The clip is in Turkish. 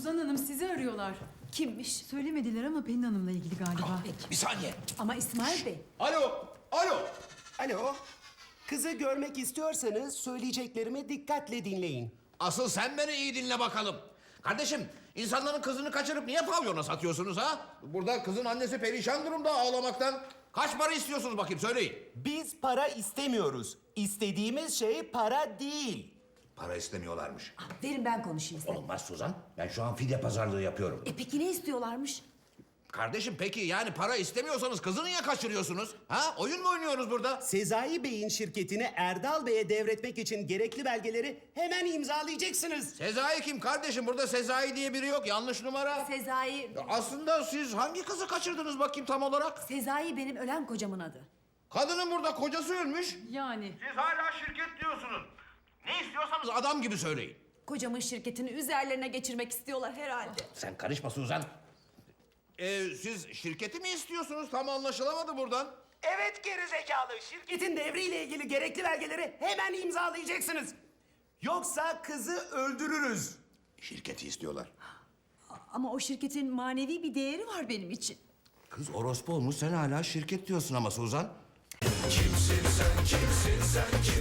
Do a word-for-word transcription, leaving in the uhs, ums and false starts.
Suzan Hanım sizi arıyorlar. Kimmiş? Söylemediler ama Pelin Hanım'la ilgili galiba. Bir saniye. Ama İsmail Bey. Alo, alo. Alo. Kızı görmek istiyorsanız söyleyeceklerimi dikkatle dinleyin. Asıl sen beni iyi dinle bakalım. Kardeşim, insanların kızını kaçırıp niye pavyona satıyorsunuz ha? Burada kızın annesi perişan durumda ağlamaktan. Kaç para istiyorsunuz bakayım söyleyin. Biz para istemiyoruz. İstediğimiz şey para değil. Para istemiyorlarmış. Verin ben konuşayım size. Olmaz Suzan. Ben şu an fidye pazarlığı yapıyorum. E peki ne istiyorlarmış? Kardeşim peki yani para istemiyorsanız kızı niye kaçırıyorsunuz? Ha? Oyun mu oynuyoruz burada? Sezai Bey'in şirketini Erdal Bey'e devretmek için gerekli belgeleri hemen imzalayacaksınız. Sezai kim kardeşim? Burada Sezai diye biri yok. Yanlış numara. Sezai... Ya aslında siz hangi kızı kaçırdınız bakayım tam olarak? Sezai benim ölen kocamın adı. Kadının burada kocası ölmüş. Yani. Siz hala şirket diyorsunuz. Ne istiyorsanız adam gibi söyleyin. Kocamın şirketini üzerlerine geçirmek istiyorlar herhalde. Sen karışma Suzan. Ee, siz şirketi mi istiyorsunuz? Tam anlaşılamadı buradan. Evet gerizekalı. Şirketin devriyle ilgili gerekli belgeleri hemen imzalayacaksınız. Yoksa kızı öldürürüz. Şirketi istiyorlar. Ama o şirketin manevi bir değeri var benim için. Kız orospu olmuş sen hala şirket diyorsun ama Suzan. Kimsin sen, kimsin sen, kimsin?